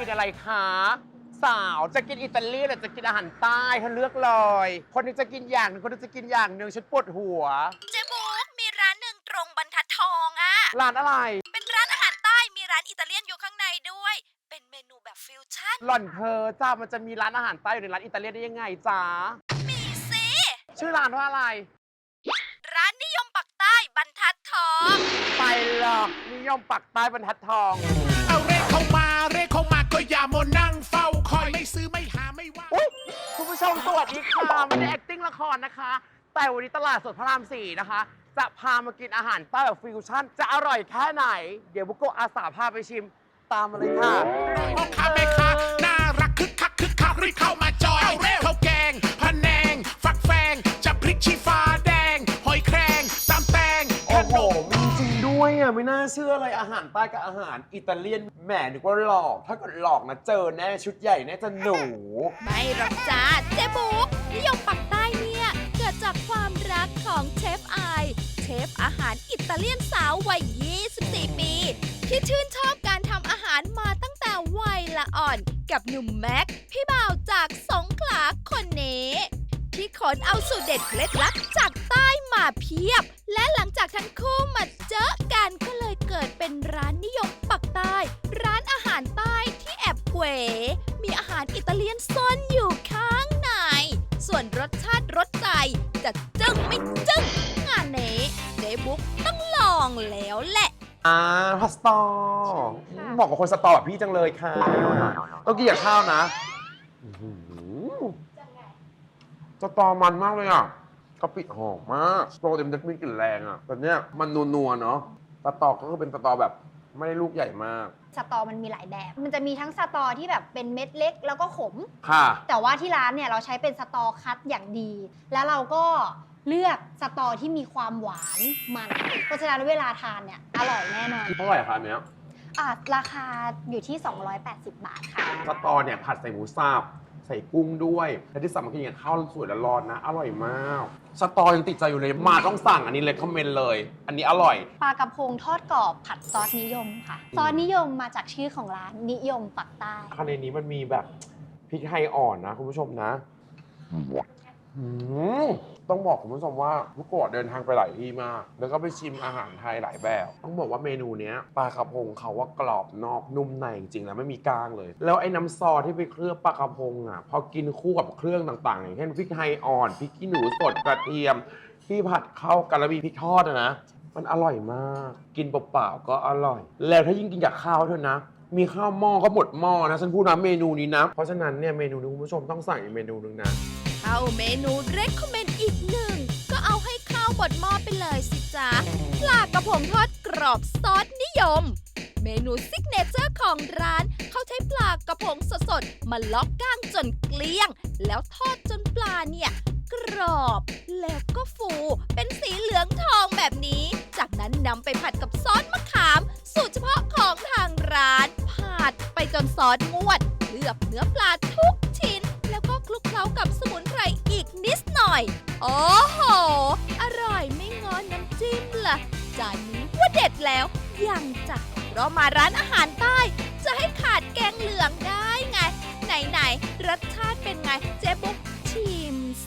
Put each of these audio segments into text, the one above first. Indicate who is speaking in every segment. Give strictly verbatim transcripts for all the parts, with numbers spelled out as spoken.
Speaker 1: กินอะไรคะสาวจะกินอิตาลีหรือจะกินอาหารใต้เธอเลือกเลยคนนึงจะกินอย่างหนึงคนนึงจะกินอย่างหนึ่งฉันปวดหัว
Speaker 2: เจ๊บุ๊กมีร้านหนึ่งตรงบรรทัดทองอะ
Speaker 1: ร้านอะไร
Speaker 2: เป็นร้านอาหารใต้มีร้านอิตาเลียนอยู่ข้างในด้วย เป็นเมนูแบบฟิวชั่น
Speaker 1: หล่อนเพอจ้ามันจะมีร้านอาหารใต้อยู่ในร้านอิตาเลียนได้ยังไงจ้า
Speaker 2: มีสิ
Speaker 1: ชื่อร้านว่าอะไร
Speaker 2: ร้านนิยมปักใต้บรรทัดทอง
Speaker 1: ไปหรอกนิยมปักใต้บรรทัดทอง
Speaker 3: เอาเรขเข้ามาเรขเข้ามาก็อย่ามัวนั่งเฝ้าคอยไม่ซื้อไม่หาไม่ว่า
Speaker 1: อุ๊ยคุณผู้ชมสวัสดีค่ะไม่ได้ acting ละครนะคะ แต่วันนี้ตลาดสดพระรามสี่นะคะ จะพามากินอาหารใต้แบบฟิวชั่น จะอร่อยแค่ไหน เดี๋ยวบุโกะอาสาพาไปชิม ตามมาเลยค่ะ
Speaker 3: พ่อค้าแม่ค้าน่ารักคึกคักคึกคักรีบเข้ามาจอยข้าวแกงพะแนง ฟักแฟงจะพริกชี้ฟ้าแดง หอยแครงตำแตงข
Speaker 1: โอ้โห
Speaker 3: นม
Speaker 1: มีจริงด้วยอ่ะ ไม่น่าเชื่อเลยอาหารใต้กับอาหารอิตาเลียนแหมนึกว่าหลอก ถ้าเกิดหลอกนะเจอแน่ชุดใหญ่แน่จะหนู
Speaker 2: ไม่หรอกจ้าเจ๊บุ๊กนิยมปักใต้เนี่ยเกิดจากความรักของเชฟไอเชฟอาหารอิตาเลียนสาววัย ยี่สิบสี่ ปี ที่ชื่นชอบการทำอาหารมาตั้งแต่วัยละอ่อน กับหนุ่มแม็กพี่บ่าวจากสงขลาคนนี้ที่ขนเอาสูตรเด็ดเคล็ดลับจากใต้มาเพียบ และหลังจากทั้งคู่มาเจอกันก็เลยเกิดเป็นร้านนิยมปักใต้ ร้านอาหารใต้ที่แอบเก๋มีอาหารอิตาเลียนซ่อนอยู่ข้างใน ส่วนรสชาติรสใจจะจึ้งไม่จึ้งงานนี้เจ๊บุ๊กต้องลองแล้วแหละ
Speaker 1: อ่าพาสตอบอกกับคนสตอแบบพี่จังเลยค่ะ ต้องกินกับข้าวนะอื้อหือสตอมันมากเลยอ่ะกะปิหอมมากสตอเต็มจะมีกลิ่นแรงอ่ะแต่เนี้ยมันนัวๆเนาะสตอก็คือเป็นสตอแบบไม่ได้ลูกใหญ่มาก
Speaker 4: สตอมันมีหลายแบบ มันจะมีทั้งสตอที่แบบเป็นเม็ดเล็กแล้วก็ขม
Speaker 1: ค่ะ
Speaker 4: แต่ว่าที่ร้านเนี่ยเราใช้เป็นสตอคัดอย่างดี แล้วเราก็เลือกสตอที่มีความหวานมัน เพราะฉะนั้นเวลาทานเนี่ยอร่อยแน่นอน
Speaker 1: เท่าไหร่คะอันเนี้ย
Speaker 4: อ่ะราคาอยู่ที่ สองร้อยแปดสิบ บาทค่ะ
Speaker 1: สตอเนี่ยผัดใส่หมูสับใส่กุ้งด้วยและที่สำคัญกินกับข้าวสวยและร้อนนะ อร่อยมาก สตอยังติดใจอยู่เลยมาต้องสั่งอันนี้เลยคอมเมนต์เลย อันนี้อร่อย
Speaker 4: ปลากระพงทอดกรอบผัดซอสนิยมค่ะ ซอสนิยมมาจากชื่อของร้านนิยมปักใต้
Speaker 1: ข้างในนี้มันมีแบบพริกไทยอ่อนนะคุณผู้ชมนะอืมต้องบอกคุณผู้ชมว่าบุโกะเดินทางไปหลายที่มาก แล้วก็ไปชิมอาหารไทยหลายแบบ ต้องบอกว่าเมนูเนี้ยปลากระพงเขาว่ากรอบนอกนุ่มในจริงๆแล้วไม่มีกลางเลย แล้วไอ้น้ำซอสที่ไปเคลือบปลากระพงอ่ะพอกินคู่กับเครื่องต่างๆอย่างเช่นพริกไทยอ่อนพริกขี้หนูสดกระเทียม ที่ผัดเข้ากันแล้วมีพริกทอดอะนะ มันอร่อยมาก กินเปล่าๆก็อร่อย แล้วถ้ายิ่งกินกับข้าวเท่านะ มีข้าวหม้อก็หมดหม้อนะฉันพูดนะเมนูนี้นะ เพราะฉะนั้นเนี่ยเมนูนี้คุณผู้ชมต้องสั่งอีกเมนูหนึงนะ
Speaker 2: เข้าเมนูเรคคอมเมนต์อีกหนึ่ง ก็เอาให้ข้าวบดหม้อไปเลยสิจ๊ะปลากระพงทอดกรอบซอสนิยม เมนูซิกเนเจอร์ของร้าน เขาใช้ปลากระพงสดๆ มาล็อกก้างจนเกลี้ยง แล้วทอดจนปลาเนี่ย กรอบ แล้วก็ฟูเป็นสีเหลืองทองแบบนี้ จากนั้นนำไปผัดกับซอสมะขาม สูตรเฉพาะของทางร้าน ผัดไปจนซอสงวดเคลือบเนื้อปลาทุกชิ้น แล้วก็คลุกเคล้ากับสมุนไพรอีกนิดหน่อย โอ้โห อร่อยไม่งอนน้ำจิ้มล่ะ จานนี้ว่าเด็ดแล้วยังจ้ะเพราะมาร้านอาหารใต้ จะให้ขาดแกงเหลืองได้ไง ไหนๆรสชาติเป็นไง เจ๊บุ๊กชิมสิ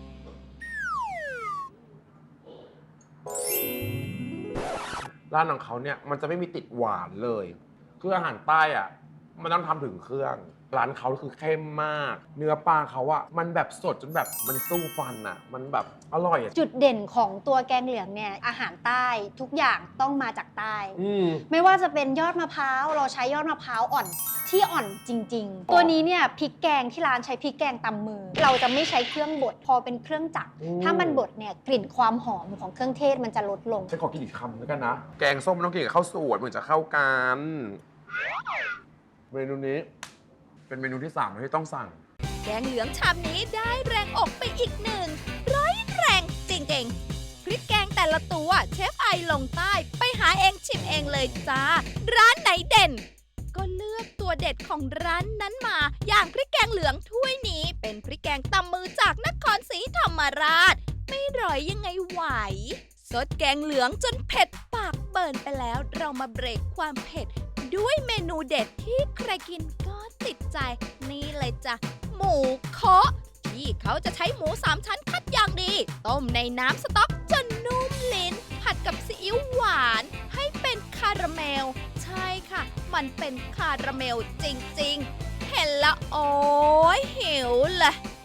Speaker 1: ร้านของเขาเนี่ยมันจะไม่มีติดหวานเลย คืออาหารใต้อะมันต้องทำถึงเครื่อง ร้านเขาคือเข้มมาก เนื้อปลาเขาอะมันแบบสดจนแบบมันสู้ฟันอะมันแบบอร่อยอะ
Speaker 4: จุดเด่นของตัวแกงเหลืองเนี่ยอาหารใต้ทุกอย่างต้องมาจากใต้
Speaker 1: อืม
Speaker 4: ไม่ว่าจะเป็นยอดมะพร้าวเราใช้ยอดมะพร้าวอ่อนที่อ่อนจริง ๆ ตัวนี้เนี่ยพริกแกงที่ร้านใช้พริกแกงตำมือ เราจะไม่ใช้เครื่องบดพอเป็นเครื่องจักร
Speaker 1: อืม
Speaker 4: ถ้ามันบดเนี่ยกลิ่นความหอมของเครื่องเทศมันจะลดลง
Speaker 1: ฉันขอกินอีกคำแล้วกันนะ แกงส้มมันต้องกินกับข้าวสวยเหมือนจะเข้ากัน เมนูนี้ เป็นเมนูที่สามที่ต้องสั่ง
Speaker 2: แกงเหลืองชามนี้ได้แรงอกไปอีกหนึ่ง ร้อยแรงจริงๆ พริกแกงแต่ละตัวเชฟไอลงใต้ไปหาเองชิมเองเลยจ้า ร้านไหนเด่น ก็เลือกตัวเด็ดของร้านนั้นมา อย่างพริกแกงเหลืองถ้วยนี้ เป็นพริกแกงตำมือจากนครศรีธรรมราช ไม่ร่อยยังไงไหว ซดแกงเหลืองจนเผ็ดปากเบิ่นไปแล้ว เรามาเบรกความเผ็ด ด้วยเมนูเด็ดที่ใครกินก็ติดใจ นี่เลยจ้ะ หมูเคาะที่เขาจะใช้หมูสามชั้นคัดอย่างดี ต้มในน้ำสต๊อกจนนุ่มลิ้น ผัดกับซีอิ๊วหวานให้เป็นคาราเมล ใช่ค่ะ มันเป็นคาราเมลจริงๆ เห็นละโอ้ยหิวเลย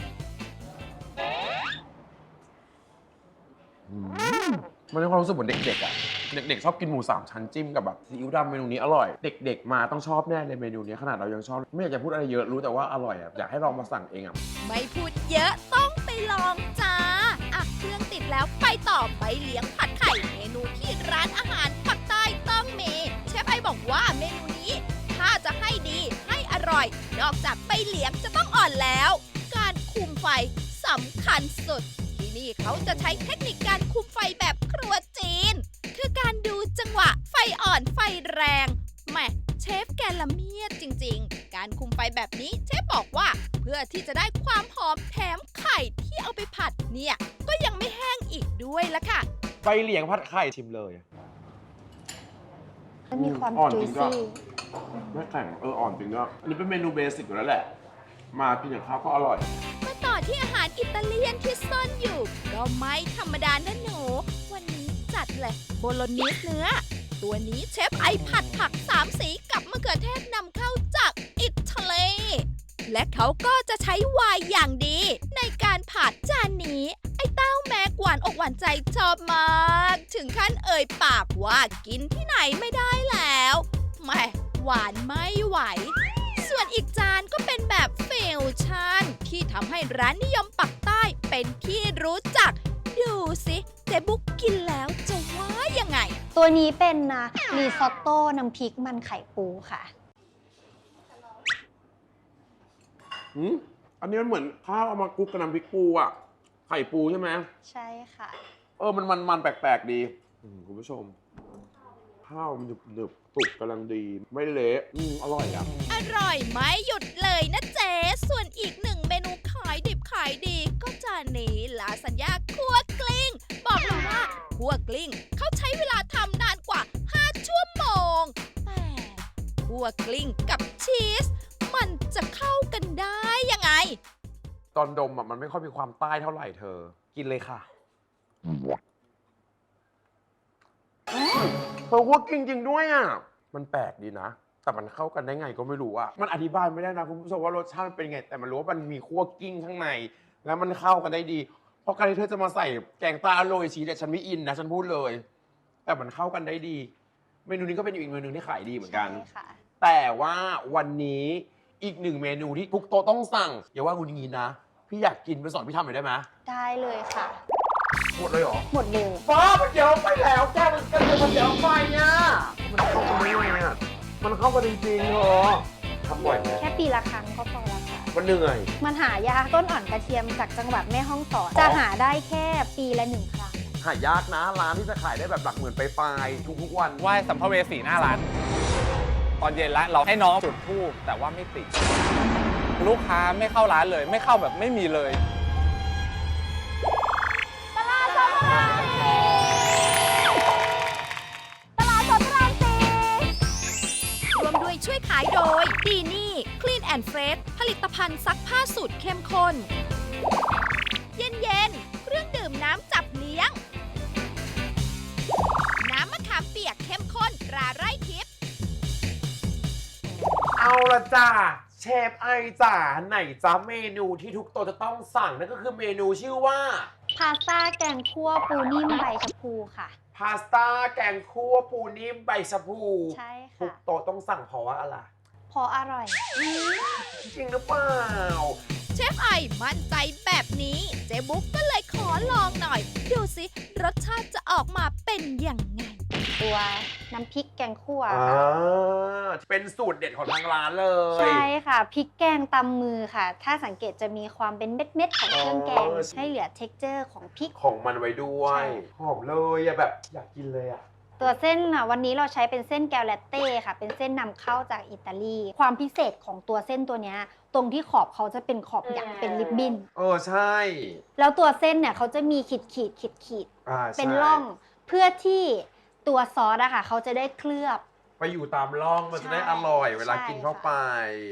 Speaker 1: มันมีความรู้สึกเหมือนเด็กๆอ่ะ เด็กๆชอบกินหมูสามชั้นจิ้มกับแบบซีอิ๊วดำเมนูนี้อร่อย เด็กๆมาต้องชอบแน่เลยเมนูนี้ขนาดเรายังชอบ ไม่อยากจะพูดอะไรเยอะรู้แต่ว่าอร่อยอ่ะอยากให้ลองมาสั่งเองอ่ะ
Speaker 2: ไม่พูดเยอะต้องไปลองจ้าอ่ะเครื่องติดแล้วไปต่อไปเลี้ยงผัดไข่เมนูที่ร้านอาหารปักใต้ต้องมีเชฟไอบอกว่าเมนูนี้ ถ้าจะให้ดีให้อร่อย นอกจากไปเลี้ยงจะต้องอ่อนแล้ว การคุมไฟสำคัญสุด ที่นี่เขาจะใช้เทคนิคการคุมไฟแบบครัวจีน คือการดูจังหวะไฟอ่อนไฟแรงแหมเชฟแกละเมียดจริงๆ การคุมไฟแบบนี้เชฟบอกว่า เพื่อที่จะได้ความหอมแถมไข่ที่เอาไปผัดเนี่ย ก็ยังไม่แห้งอีกด้วยละค่ะ
Speaker 1: ไปเหลียงผัดไข่ชิมเลย
Speaker 4: มันมีความ
Speaker 1: อ่อน
Speaker 4: จุ
Speaker 1: จ
Speaker 4: ย
Speaker 1: ริงก็
Speaker 4: ซี่
Speaker 1: ไม่แข็งเอออ่อนจริงก็อันนี้เป็นเมนูเบสิกอยู่แล้วแหละ มากินกับข้าวก็อร่อย
Speaker 2: มาต่อที่อาหารอิตาเลียนที่ซ่อนอยู่ ก็ไม่ธรรมดานะหนู วันนี้จัดเลยโบโลนีสเนื้อ ตัวนี้เชฟไอผัดผักสามสีกับมะเขือเทศนำเข้าจากอิตาลี และเขาก็จะใช้ไวน์อย่างดี ในการผัดจานนี้ ไอ้เต้าแม็กหวานอกหวานใจชอบมาก ถึงขั้นเอ่ยปากว่ากินที่ไหนไม่ได้แล้วแหม่หวานไม่ไหว ส่วนอีกจานก็เป็นแบบฟิวชั่นที่ทำให้ร้านนิยมปักใต้เป็นที่รู้จัก ดูสิเจ๊บุ๊กกินแล้วจะว่ายังไง
Speaker 4: ตัวนี้เป็นนะรีซอตโต้น้ำพริกมันไข่ปูค่ะ
Speaker 1: อืมอันนี้มันเหมือนข้าวเอามาคลุกกับน้ำพริกปูอ่ะ ไข่ปูใช่ไหม
Speaker 4: ใช่ค่ะ
Speaker 1: เออ มันมันมันแปลกๆดีอืมคุณผู้ชม ข้าวมันหนึบหนึบๆสุกกำลังดี ไม่เละอืมอร่อยอ่ะ
Speaker 2: อร่อยไม่หยุดเลยนะเจ๊ส่วนอีกหนึ่งเมนูขายดิบขายดี ก็จานนี้ลาสัญญาคั่วกลิ้ง บอกเลยว่าคั่วกลิ้งเขาใช้เวลาทำนานกว่า ห้า ชั่วโมง แต่คั่วกลิ้งกับชีส มันจะเข้ากันได้ยังไง
Speaker 1: ตอนดมอ่ะมันไม่ค่อยมีความใต้เท่าไหร่เธอ กินเลยค่ะเธอว่ากินจริงด้วยอ่ะ มันแปลกดีนะ แต่มันเข้ากันได้ไงก็ไม่รู้อ่ะ มันอธิบายไม่ได้นะคุณผู้ชมว่ารสชาติมันเป็นไง แต่มันรู้ว่ามันมีคั่วกิ้งข้างใน แล้วมันเข้ากันได้ดี เพราะการที่เธอจะมาใส่แกงปลาโรยชีสเนี่ยฉันไม่อินนะฉันพูดเลย แต่มันเข้ากันได้ดี เมนูนี้ก็เป็นอีกเมนูที่ขายดีเหมือนกัน
Speaker 4: ใช่ค่ะ
Speaker 1: แต่ว่าวันนี้อีกหนึ่งเมนูที่ทุกโต๊ะต้องสั่ง อย่าว่าคุณอย่างนี้นะ พี่อยากกินไปสอนพี่ทำหน่อยได้ไหม
Speaker 4: ได้เลยค่ะ
Speaker 1: หมดเลยเหรอ
Speaker 4: หมดเลย
Speaker 1: ฟ้ามันเดี๋ยวไปแล้วแกมันกันเลยมันเดี๋ยวไปเนี่ยมันเข้ากันได้ไงอ่ะมันเข้ากันจริงๆเหรอทำบ่อยไหม
Speaker 4: แค่ปีละครั้งก็พอละค่ะ
Speaker 1: มันเหนื่อย
Speaker 4: มันหายากต้นอ่อนกระเทียมจากจังหวัดแม่ฮ่องสอน จะหาได้แค่ปีละหนึ่งครั้ง
Speaker 1: หายากนะร้านที่จะขายได้แบบหลักหมื่นไปปลายๆทุกๆวัน
Speaker 5: ไหว้สัมภเวสีหน้าร้าน ตอนเย็นแล้วเราให้น้องจุดธูปแต่ว่าไม่ติด ลูกค้าไม่เข้าร้านเลย ไม่เข้าแบบไม่มีเลย
Speaker 2: รวมด้วยช่วยขายโดยดีนี่ Clean and Fresh ผลิตภัณฑ์ซักผ้าสูตรเข้มข้น เย็นๆ เครื่องดื่มน้ำจับเลี้ยง น้ำมะขามเปียกเข้มข้นตราไร่ทิพย์
Speaker 1: เอาละจ้าเชฟไอจ๋าไหนจ้าเมนูที่ทุกโต๊ะจะต้องสั่งนั่นก็คือเมนูชื่อว่า
Speaker 4: พาสต้าแกงคั่วปูนิ่มใบชะพูค่ะ
Speaker 1: พาสต้าแกงคั่วปูนิ่มใบชะพู
Speaker 4: ใช่
Speaker 1: ทุก
Speaker 4: ค่ะ
Speaker 1: โต๊ะต้องสั่งเพราะว่าอะไร
Speaker 4: พออร่อย
Speaker 1: จริงหรือเปล่า
Speaker 2: เชฟไอมั่นใจแบบนี้ เจ๊บุ๊กก็เลยขอลองหน่อย ดูสิรสชาติจะออกมาเป็นยังไง
Speaker 4: ตัวน้ำพริกแกงคั่ว
Speaker 1: อ่า
Speaker 4: ค่ะ
Speaker 1: เป็นสูตรเด็ดของทางร้านเลย
Speaker 4: ใช่ค่ะพริกแกงตำมือค่ะ ถ้าสังเกตจะมีความเป็นเม็ดๆของเครื่องแกง ให้เหลือเท็กเจอร์ของพริก
Speaker 1: ของมันไว้ด้วย
Speaker 4: ใช่
Speaker 1: หอมเลยอะแบบอยากกินเลยอะ
Speaker 4: ตัวเส้นอ่ะวันนี้เราใช้เป็นเส้นแกวแลตเต้ค่ะ เป็นเส้นนำเข้าจากอิตาลี ความพิเศษของตัวเส้นตัวเนี้ยตรงที่ขอบเขาจะเป็นขอบหยักเป็นริบบิ้น
Speaker 1: เออใช่
Speaker 4: แล้วตัวเส้นเนี่ยเขาจะมีขีดขีดขีดขีด
Speaker 1: อ่า
Speaker 4: ๆเป็น
Speaker 1: ใช่
Speaker 4: ร่องเพื่อที่ตัวซอสอะค่ะเขาจะได้เคลือบ
Speaker 1: ไปอยู่ตามร่องมันจะได้
Speaker 4: ใช่
Speaker 1: อร่อยเวลา
Speaker 4: ใช่
Speaker 1: กินเข้า
Speaker 4: ค่ะ
Speaker 1: ไป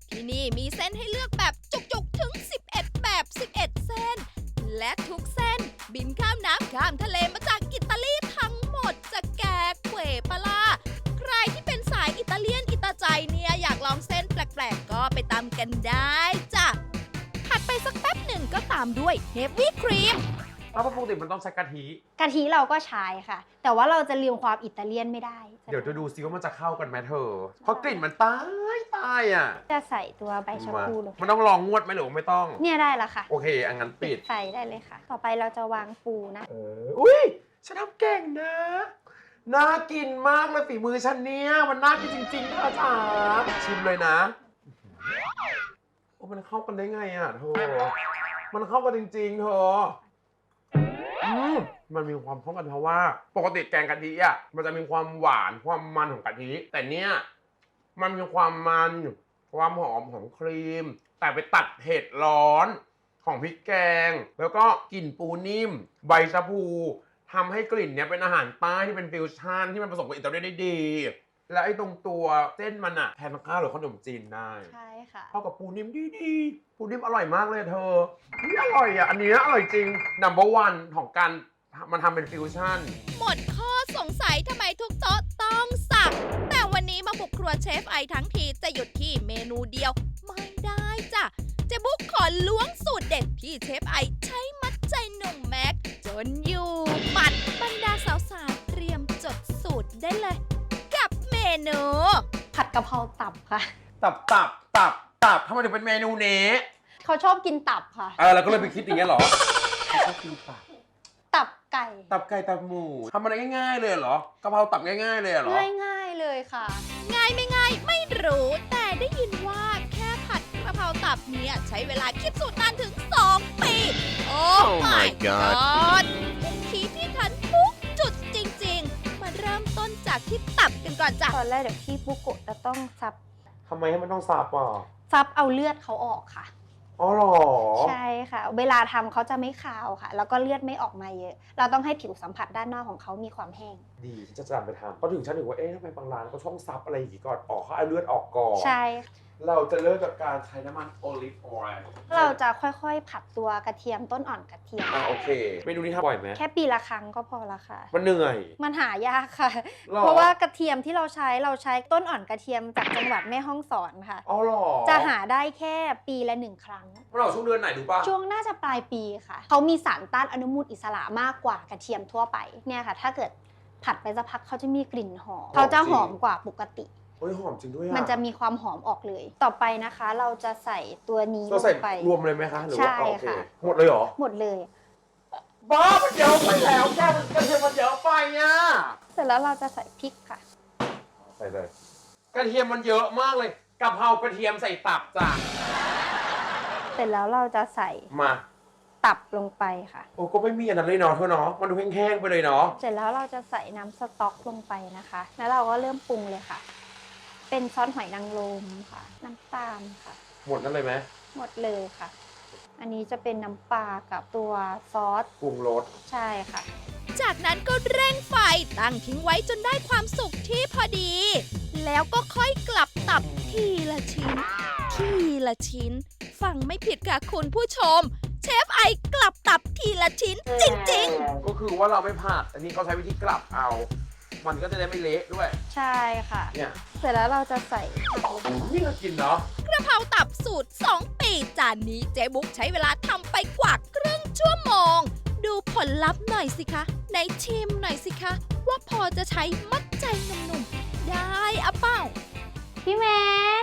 Speaker 2: ที่นี่มีเส้นให้เลือกแบบจุกๆถึง สิบเอ็ด แบบ สิบเอ็ด เส้น และทุกเส้นบินข้ามน้ำข้ามทะเลมาจากอิตาลีทั้งหมดจะแกเขวปลาใครที่เป็นสายอิตาเลียนอิตาใจเนี่ยอยากลองเส้นแปลกๆก็ไปตามกันได้จ้ะถัดไปสักแป๊บหนึ่งก็ตามด้วยเฮฟวี่ครีม
Speaker 1: แล้วปกติมันต้องใช้กะทิ
Speaker 4: กะทิเราก็ใช้ค่ะ แต่ว่าเราจะลืมความอิตาเลียนไม่ได้
Speaker 1: เดี๋ยวจะดูซิว่ามันจะเข้ากันไหมเธอ เพราะกลิ่นมันตายตายอ่ะ
Speaker 4: จะใส่ตัวใบชะ
Speaker 1: มา
Speaker 4: พูลง
Speaker 1: มันต้องลองงวดไหมหรือว่าไม่ต้อง
Speaker 4: เนี่ยได้แล้วค่ะ
Speaker 1: โอเคอันงั้นปิด
Speaker 4: ไฟได้เลยค่ะ ต่อไปเราจะวางปูนะ
Speaker 1: เออ อุ้ยฉันทำเก่งนะ น่ากินมากเลยฝีมือฉันเนี่ย มันน่ากินจริงๆค่ะจ๋าชิมเลยนะ โอ้มันเข้ากันได้ไงอ่ะเธอ มันเข้ากันจริงๆเธอ อืมมันมีความเข้ากันเพราะว่า ปกติแกงกะทิอ่ะ มันจะมีความหวานความมันของกะทิ แต่เนี้ยมันมีความมันความหอมของครีม แต่ไปตัดเผ็ดร้อนของพริกแกง แล้วก็กลิ่นปูนิ่ม ใบชะพูทำให้กลิ่นเนี้ยเป็นอาหารใต้ที่เป็นฟิวชั่นที่มันผสมกับอิตาเลียนได้ดี และไอ้ตรงตัวเส้นมันอะแทนข้าวหรือขนมจีนได้
Speaker 4: ใช่ค่ะ
Speaker 1: เข้ากับปูนิ่มดีๆปูนิ่มอร่อยมากเลยเธอนี่อร่อยอ่ะ อันนี้อร่อยจริง number one ของการมันทำเป็นฟิวชั่น
Speaker 2: หมดข้อสงสัยทำไมทุกโต๊ะต้องสั่ง แต่วันนี้มาบุกครัวเชฟไอทั้งทีจะหยุดที่เมนูเดียวไม่ได้จ้ะเจ๊บุ๊กขอล้วงสูตรเด็ดที่เชฟไอใช้มัดใจหนุ่มแม็กจนอยู่หมัดบรรดาสาวๆเตรียมจดสูตรได้เลย กับเมนู
Speaker 4: ผัดกะเพราตับค่ะ
Speaker 1: ตับตับตับตับทำไมถึงเป็นเมนูนี้
Speaker 4: เขาชอบกินตับค่ะ
Speaker 1: เออเราก็เลยไปคิดอย่างเงี้ยเหรอชอบกินตับ
Speaker 4: ตับไก่
Speaker 1: ตับไก่ตับหมูทำมันง่ายๆเลยเหรอกะเพราตับง่ายๆเลยเหรอ
Speaker 4: ง่ายๆเลยค่ะ
Speaker 2: ง่ายไม่ง่ายไม่รู้ แต่ได้ยินว่าแค่ผัดกระเพราตับเนี่ยใช้เวลาคิดสูตรนานถึง สอง ปี โอ้ my god เป็นทีที่ทันทุกจุดจริงๆ มาเริ่มต้นจากที่ตับกันก่อนจ้ะ
Speaker 4: ตอนแรกเดี๋ยวพี่บุโกะจะต้องซับ
Speaker 1: ทำไมให้มันต้องสับอ่ะ
Speaker 4: ซับเอาเลือดเขาออกค่ะ
Speaker 1: อ๋อเหรอ
Speaker 4: ใช่ค่ะ เวลาทำเขาจะไม่คาวค่ะ แล้วก็เลือดไม่ออกมาเยอะ เราต้องให้ผิวสัมผัสด้านนอกของเขามีความแห้ง
Speaker 1: ดีฉันจะจำไปทำเพราะถึงฉันถึงว่าเอ๊ะทำไมบางร้านเขาช่องซับอะไรอย่างงี้ก่อนออกเขาเอาเลือดออกก่อน
Speaker 4: ใช่
Speaker 1: เราจะเริ่มจากการใช้น้ำมันโอลิฟออยล์
Speaker 4: เราจะค่อยๆ ผัดตัวกระเทียมต้นอ่อนกระเทียม
Speaker 1: อ่าโอเคเมนูนี้ทำบ่อยไหม
Speaker 4: แค่ปีละครั้งก็พอละค่ะ
Speaker 1: มันเหนื่อย
Speaker 4: มันหายากค่ะ
Speaker 1: หรอ
Speaker 4: เพราะว่ากระเทียมที่เราใช้เราใช้ต้นอ่อนกระเทียมจากจังหวัดแม่ฮ่องสอนค่ะ
Speaker 1: อ๋อเหรอ
Speaker 4: จะหาได้แค่ปีละหนึ่งครั้ง
Speaker 1: มันออกช่วงเดือนไหนดูป่ะ
Speaker 4: ช่วงน่าจะปลายปีค่ะ เขามีสารต้านอนุมูลอิสระมากกว่ากระเทียมทั่วไป เนี่ยค่ะ ถ้าเกิดผัดไปสักพักเขาจะมีกลิ่นหอม เขาจะหอมกว่าปกติ
Speaker 1: เฮ้ยหอมจริงด้วยอ่ะ
Speaker 4: มันจะมีความหอมออกเลย ต่อไปนะคะ เราจะใส่ตัวนี้ล
Speaker 1: เราใส่
Speaker 4: งไป
Speaker 1: รวมเลยไหมคะหรือว่า
Speaker 4: ใช่
Speaker 1: โอเค
Speaker 4: ค่ะ
Speaker 1: หมดเลยเหรอ
Speaker 4: หมดเลย
Speaker 1: บ้ามันเยอะไปแล้วแกมันกระเทียมมันเยอะไปอ่ะ
Speaker 4: เสร็จแล้วเราจะใส่พริกค่ะ
Speaker 1: ใส่เลยกระเทียมมันเยอะมากเลยกะเพรากระเทียมใส่ตับจ้ะ
Speaker 4: เสร็จแล้วเราจะใส่
Speaker 1: มา
Speaker 4: ตับลงไปค่ะ
Speaker 1: โอ้ก็ไม่มีอันนั้นเลยเนาะเธอเนาะมันดูแห้งๆไปเลยเนาะ
Speaker 4: เสร็จแล้วเราจะใส่น้ำสต๊อกลงไปนะคะ แล้วเราก็เริ่มปรุงเลยค่ะ เป็นซอสหอยนางรมค่ะ น้ำตาลค่ะ
Speaker 1: หมดนั่นเลยไหม
Speaker 4: หมดเลยค่ะ อันนี้จะเป็นน้ำปลากับตัวซอส
Speaker 1: ปรุงรส
Speaker 4: ใช่ค่ะ
Speaker 2: จากนั้นก็เร่งไฟตั้งทิ้งไว้จนได้ความสุกที่พอดี แล้วก็ค่อยกลับตับทีละชิ้น ทีละชิ้น ฟังไม่ผิดค่ะคุณผู้ชม เชฟไอกลับตับทีละชิ้นจริงๆ
Speaker 1: ก็คือว่าเราไม่ผัดอันนี้เขาใช้วิธีกลับเอา มันก็จะได้ไม่เละด้วย
Speaker 4: ใช่ค่ะ
Speaker 1: เนี่ย
Speaker 4: เสร็จแล้วเราจะใส่ผักลงไป
Speaker 1: นี่ก็กินเนาะ
Speaker 2: กระเพราตับสูตร สอง ปีจานนี้เจ๊บุ๊กใช้เวลาทำไปกว่าครึ่งชั่วโมง ดูผลลัพธ์หน่อยสิคะในชิมหน่อยสิคะ ว่าพอจะใช้มัดใจหนุ่มๆ ได้อะเปล่า
Speaker 4: พี่แม็ก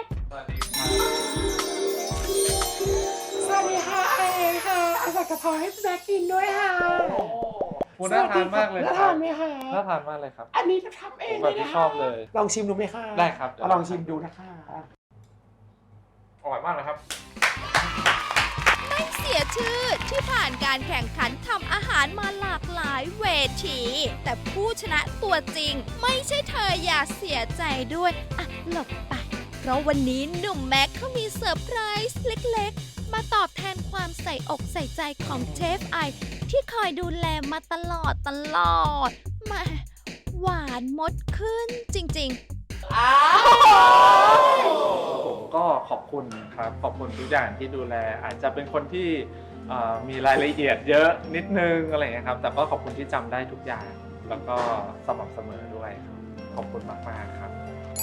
Speaker 1: สวัสดีค่ะไอค่ะเอาใส่กะเพราให้แม่กินด้วยค่ะ
Speaker 5: คุณน่าทานมากเลย
Speaker 1: น่า
Speaker 5: ครั
Speaker 1: ทา
Speaker 5: บ
Speaker 1: นไหมคะ
Speaker 5: น่าทานมากเลยครับ
Speaker 1: อันนี้จะทำเอง
Speaker 5: แบบที่ชอบเลย
Speaker 1: ลองชิมดูไหมคะ
Speaker 5: ได้ครับเดี๋ยว
Speaker 1: เอาลองชิมดูนะคะ
Speaker 5: อร่อยมากเลยครับ
Speaker 2: ไม่เสียชื่อที่ผ่านการแข่งขันทำอาหารมาหลากหลายเวที แต่ผู้ชนะตัวจริงไม่ใช่เธออย่าเสียใจด้วย อ่ะ หลบไป เพราะวันนี้หนุ่มแม็กเขามีเซอร์ไพรส์เล็กๆ มาตอบแทนความใส่อกใส่ใจของเชฟไอ ที่คอยดูแลมาตลอดตลอดแหมาหวานมดขึ้นจริงๆ
Speaker 1: อ้าว
Speaker 5: ผมก็ก็ขอบคุณครับขอบคุณทุกอย่างที่ดูแล อาจจะเป็นคนที่เอ่อมีรายละเอียดเยอะนิดนึงอะไรอย่างเงี้ยครับแต่ก็ขอบคุณที่จำได้ทุกอย่าง แล้วก็สม่ำเสมอด้วยครับขอบคุณมากๆครับ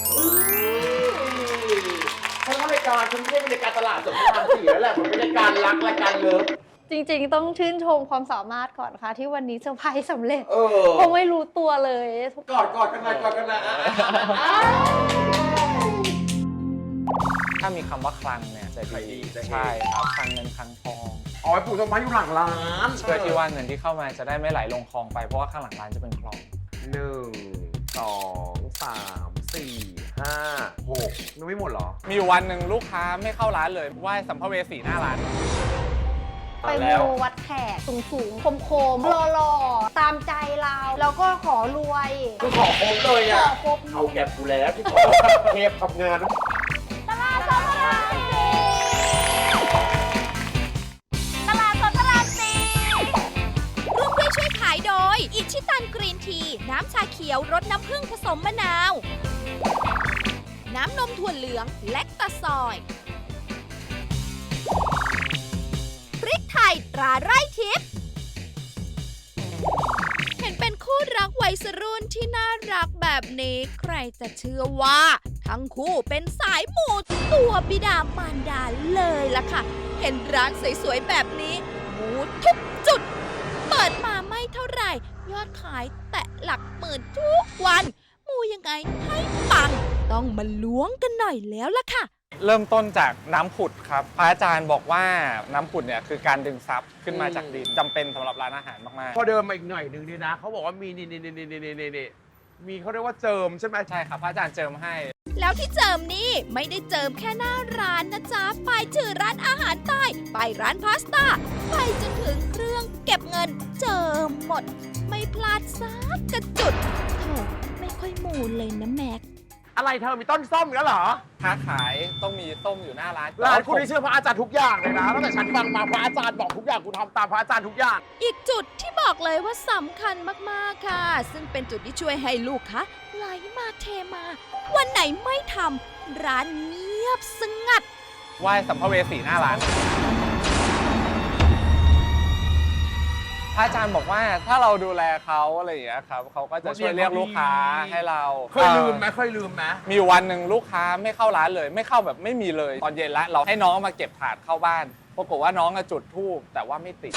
Speaker 1: เพราะว่ารายการฉันไม่ใช่รายการตลาดสดพระรามสี่แล้วแหละมันเป็นรายการรักรายการเลิฟ
Speaker 4: จริงๆ ต้องชื่นชมความสามารถก่อนค่ะ ที่วันนี้เซอร์ไพรส์สำเร็จ
Speaker 1: เออ
Speaker 4: คงไม่รู้ตัวเลย
Speaker 1: กอดกอดกันหน่อยกอดกันหน่อยอ่ะอ่ะ
Speaker 5: ถ้ามีคำว่าคลังเนี่ยจะ
Speaker 1: ขายดี
Speaker 5: ดี
Speaker 1: จะเฮ
Speaker 5: ใช่ครับคลังเงินคลังทอง
Speaker 1: เอาไว้ปลูกต้นไม้อยู่หลังร้าน
Speaker 5: เพื่อที่ว่าเงินที่เข้ามาจะได้ไม่ไหลลงคลองไปเพราะว่าข้างหลังร้านจะเป็นคลอง
Speaker 1: หนึ่งสองสามสี่ห้าหกยังไม่หมดเหรอ
Speaker 5: มีอยู่วันหนึ่งลูกค้าไม่เข้าร้านเลยไหว้สัมภเวสีหน้าร้าน
Speaker 4: ไปมูวัดแขกสูงๆ คมๆหล่อๆ ตามใจเรา แล้วก็ขอรวย
Speaker 1: คือขอครบเลยอ่ะ
Speaker 4: ขอครบ
Speaker 1: เอาแก็บกูแล้วที่ขอเทปทำงาน
Speaker 2: ตลาดสดตลาดสี่ตลาดสดตลาดสี่ร่วมด้วยช่วยขายโดย อิชิตันกรีนที น้ำชาเขียวรสน้ำผึ้งผสมมะนาว น้ำนมถั่วเหลืองแลคตาซอย พริกไทยตราไร่ทิพย์ เห็นเป็นคู่รักวัยรุ่นที่น่ารักแบบนี้ใครจะเชื่อว่า ทั้งคู่เป็นสายมูตัวบิดามารดาเลยล่ะค่ะ เห็นร้านสวยๆแบบนี้มูทุกจุด เปิดมาไม่เท่าไหร่ ยอดขายแตะหลักหมื่นทุกวัน มูยังไงให้ปัง ต้องมาล้วงกันหน่อยแล้วล่ะค่ะ
Speaker 5: เริ่มต้นจากน้ำผุดครับพระอาจารย์บอกว่าน้ำผุดเนี่ยคือการดึงซับขึ้นมาจากดินจำเป็นสำหรับร้านอาหารมาก
Speaker 1: พอเดินมาอีกหน่อยนึงนี่นะเขาบอกว่ามีนี่นี่นี่นี่นี่นี่นี่มีเขาเรียกว่าเจิมใช่ไหม
Speaker 5: ๆใช่ครับพระอาจารย์เจิมให้
Speaker 2: แล้วที่เจิมนี่ไม่ได้เจิมแค่หน้าร้านนะจ๊ะ ไปถึงร้านอาหารใต้ ไปร้านพาสต้า ไปจนถึงเครื่องเก็บเงิน เจิมหมด ไม่พลาดสักกระจุดโถไม่ค่อยมูเลยนะแม็ก
Speaker 1: อะไรเธอมีต้นส้มอีกแล้วเหรอ
Speaker 5: ค้าขายต้องมีส้มอยู่หน้าร้าน
Speaker 1: ร้านคุณที่เชื่อพระอาจารย์ทุกอย่างเลยนะตั้งแต่ฉันฟังมาพระอาจารย์บอกทุกอย่างกูทำตามพระอาจารย์ทุกอย่าง
Speaker 2: อีกจุดที่บอกเลยว่าสำคัญมากๆค่ะ ซึ่งเป็นจุดที่ช่วยให้ลูกค้าไหลมาเทมา วันไหนไม่ทำร้านเงียบสงัด
Speaker 5: ไหว้สัมภเวสีหน้าร้านพระอาจารย์บอกว่าถ้าเราดูแลเขาอะไรอย่างเงี้ยครับเขาก็จะช่วยเรียกลูกค้าให้เรา
Speaker 1: เคยลืมไหมเคยลืมไหม
Speaker 5: มีอยู่วันหนึ่งลูกค้าไม่เข้าร้านเลย ไม่เข้าแบบไม่มีเลย ตอนเย็นแล้วเราให้น้องมาเก็บถาดเข้าบ้านปรากฏว่าน้องอะจุดธูปแต่ว่าไม่ติด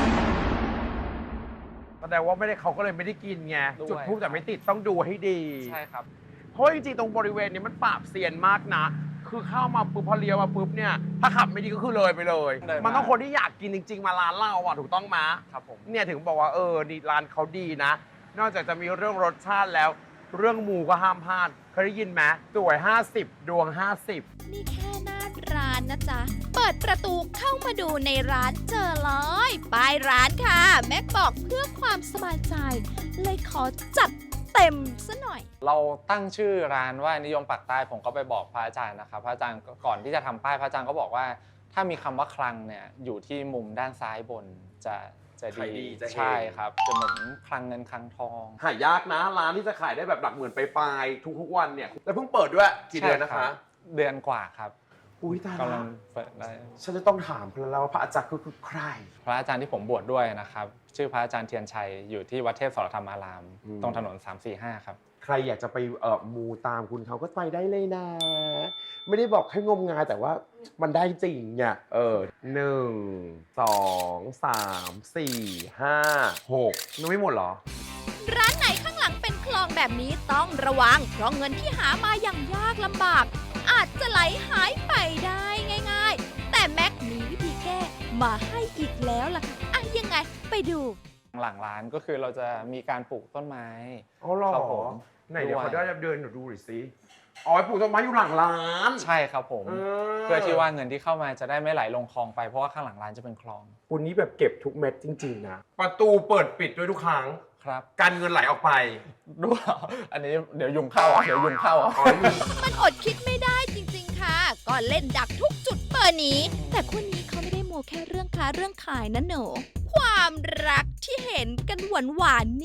Speaker 1: แสดงว่าไม่ได้เขาก็เลยไม่ได้กินไง
Speaker 5: ด้วย
Speaker 1: จุดทูบแต่ไม่ติดต้องดูให้ดี
Speaker 5: ใช่ครับ
Speaker 1: เพราะจริงๆตรงบริเวณนี้มันปราบเซียนมากนะ คือเข้ามาปุ๊บพอเลี้ยวมาปุ๊บเนี่ยถ้าขับไม่ดีก็คือเลยไปเลย
Speaker 5: เดินมามั
Speaker 1: มันต้องคนที่อยากกินจริง ๆ มาร้านเราอ่ะถูกต้องไหม
Speaker 5: ครับผม
Speaker 1: เนี่ยถึงบอกว่าเออดีร้านเขาดีนะ นอกจากจะมีเรื่องรสชาติแล้ว เรื่องหมูก็ห้ามพลาดเคยได้ยินไหมสวยห้าสิบดวงห้าสิบ
Speaker 2: นี่แค่หน้าร้านนะจ๊ะ เปิดประตูเข้ามาดูในร้านเจอเลยป้ายร้านค่ะ แม็กบอกเพื่อความสบายใจ เลยขอจัดเต็มซะหน่อย
Speaker 5: เราตั้งชื่อร้านว่านิยมปากใต้ผมก็ไปบอกพระอาจารย์นะครับพระอาจารย์ก่อนที่จะทำป้ายพระอาจารย์ก็บอกว่า ถ้ามีคำว่าคลังเนี่ยอยู่ที่มุมด้านซ้ายบนจะจะ
Speaker 1: ขายดีจะเฮง
Speaker 5: ใช่ครับจะเหมือนคลังเงินคลังทอง
Speaker 1: หายากนะร้านที่จะขายได้แบบหลักหมื่นไปปลายๆทุกๆวันเนี่ยแล้วเพิ่งเปิดด้วยกี่เดือนนะคะ
Speaker 5: ใช่รับเดือนกว่าครับ
Speaker 1: อุ้ยตาย
Speaker 5: กำลั
Speaker 1: แล้ว
Speaker 5: งเปิดได้
Speaker 1: ฉันจะต้องถามพแล้วว่าพระอาจารย์คือใคร
Speaker 5: พระอาจารย์ที่ผมบวชด้วยนะครับชื่อพระอาจารย์เทียนชัยอยู่ที่วัดเทพสรธรรมาราม
Speaker 1: อืม
Speaker 5: ตรงถนนสามสี่ห้าครับ
Speaker 1: ใครอยากจะไปเอ่อมูตามคุณเขาก็ไปได้เลยนะ ไม่ได้บอกให้งมงายแต่ว่ามันได้จริงเนี่ยเออหนึ่งสองสามสี่ห้าหกยังไม่หมดเหรอ
Speaker 2: ร้านไหนข้างหลังเป็นคลองแบบนี้ต้องระวัง เพราะเงินที่หามาอย่างยากลำบาก อาจจะไหลหายไปได้ง่ายๆ แต่แม็กมีวิธีแก้มาให้อีกแล้วล่ะค่ะอ่ะยังไงไปดู
Speaker 5: หลังร้านก็คือเราจะมีการปลูกต้นไม้
Speaker 1: อ๋อเหรอ
Speaker 5: ครับผม
Speaker 1: ไหนเดี๋ยว
Speaker 5: ด้วย
Speaker 1: เขาได้เดินหนูดูหน่อยสิอ๋อปลูกต้นไม้อยู่หลังร้าน
Speaker 5: ใช่ครับผม
Speaker 1: เออ
Speaker 5: เพื่อที่ว่าเงินที่เข้ามาจะได้ไม่ไหลลงคลองไปเพราะว่าข้างหลังร้านจะเป็นคลอง
Speaker 1: คุณนี้แบบเก็บทุกเม็ดจริงๆนะประตูเปิดปิดด้วยทุกครั้ง
Speaker 5: ครับ
Speaker 1: การเงินไหลออกไป
Speaker 5: ดูอันนี้เดี๋ยวยุงเข้าอ่ะเดี๋ยวยุงเข้าอ่ะ
Speaker 1: อ๋อนี่
Speaker 2: มันอดคิดไม่ได้จริงๆ ค่ะ ก็เล่นดักทุกจุดเปิดนี้ แต่คนนี้เขาไม่ได้โมแค่เรื่องค้าเรื่องขายนะหนู ความรักที่เห็นกันหวานๆเนี่ย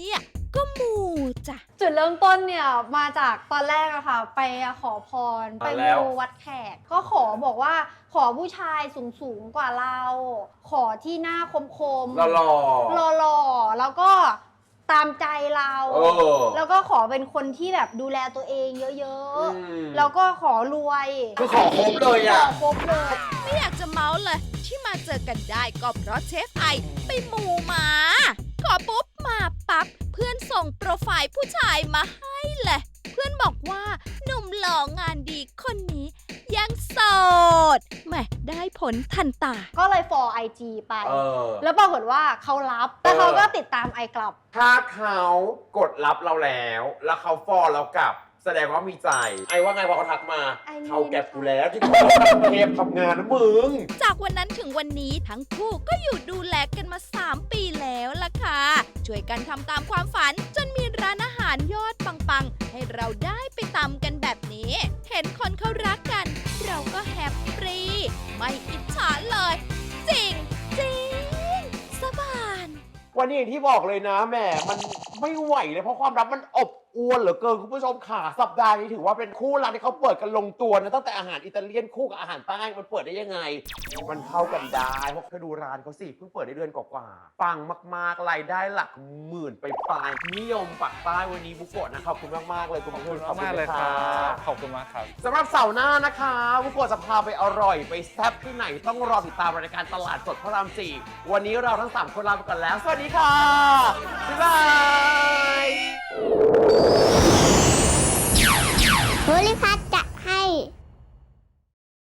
Speaker 2: ก็มูจ้ะ
Speaker 4: จุดเริ่มต้นเนี่ยมาจากตอนแรกอะค่ะ ไปขอพรไป
Speaker 1: อ่าแล้ว
Speaker 4: มูวัดแขก ก็ขอบอกว่าขอผู้ชายสูงสูงๆกว่าเรา ขอที่หน้าคมคม
Speaker 1: หล่อ
Speaker 4: หล่อหล่อๆแล้วก็ตามใจเรา
Speaker 1: เออ
Speaker 4: แล้วก็ขอเป็นคนที่แบบดูแลตัวเองเยอะ
Speaker 1: อืม
Speaker 4: ๆ แล้วก็ขอรวย
Speaker 1: คือขอครบเลยอ่ะ
Speaker 4: ขอครบเลย
Speaker 2: ไม่อยากจะเมาส์เลย ที่มาเจอกันได้ก็เพราะเชฟไอไปมูมา ขอปุ๊บมาปั๊บ เพื่อนส่งโปรไฟล์ผู้ชายมาให้เลย เพื่อนบอกว่าหนุ่มหล่องานดีคนนี้ยังโสดแหมได้ผลทันตา
Speaker 4: ก็เลย for ไอ จี ไป
Speaker 1: เออ
Speaker 4: แล้วปรากฏว่าเขารับ แล้วเขาก็ติดตามไอกลับ
Speaker 1: ถ้าเขากดรับเราแล้ว แล้วเขาฟอลเรากลับ แสดงว่ามีใจ ไอ้ว่าไงพอเขาทักมา
Speaker 4: ไอ้นี่
Speaker 1: เขาแก็บกูแล้วที่เขาทำเทปทำงานนะมึง
Speaker 2: จากวันนั้นถึงวันนี้ทั้งคู่ก็อยู่ดูแลกันมา สาม ปีแล้วล่ะค่ะ ช่วยกันทำตามความฝันจนมีร้านอาหารยอดปังๆ ให้เราได้ไปตำกันแบบนี้ เห็นคนเขารักกัน เราก็แฮปปี้ไม่อิจฉาเลย จริงจริงสบาน
Speaker 1: วันนี้อย่างที่บอกเลยนะแหมมันไม่ไหวเลยเพราะความรักมันอบอวลเหลือเกินคุณผู้ชมค่ะสัปดาห์นี้ถือว่าเป็นคู่รักที่เขาเปิดกันลงตัวนะตั้งแต่อาหารอิตาเลียนคู่กับอาหารใต้มันเปิดได้ยังไง มันเข้ากันได้เพราะเธอดูร้านเขาสิเพิ่งเปิดได้เดือนกว่าๆปังมากๆรายได้หลักหมื่นไปปลายนิยมปักใต้วันนี้บุโกะนะขอบคุณมากๆเลยคุณ
Speaker 5: ขอบ
Speaker 1: ผู้ช
Speaker 5: คุณ
Speaker 1: ม
Speaker 5: มากๆเลยค
Speaker 1: ข
Speaker 5: รั
Speaker 1: อบณ
Speaker 5: บ ขอบคุณมากครับ
Speaker 1: สำหรับเสาร์หน้านะคะบุโกะจะพาไปอร่อยไปแซ่บที่ไหนต้องรอติดตามรายการตลาดสดพระรามสี่วันนี้เราทั้งสามคนลาไปก่อนแล้วสวัสดีค่ะบ๊ายบาย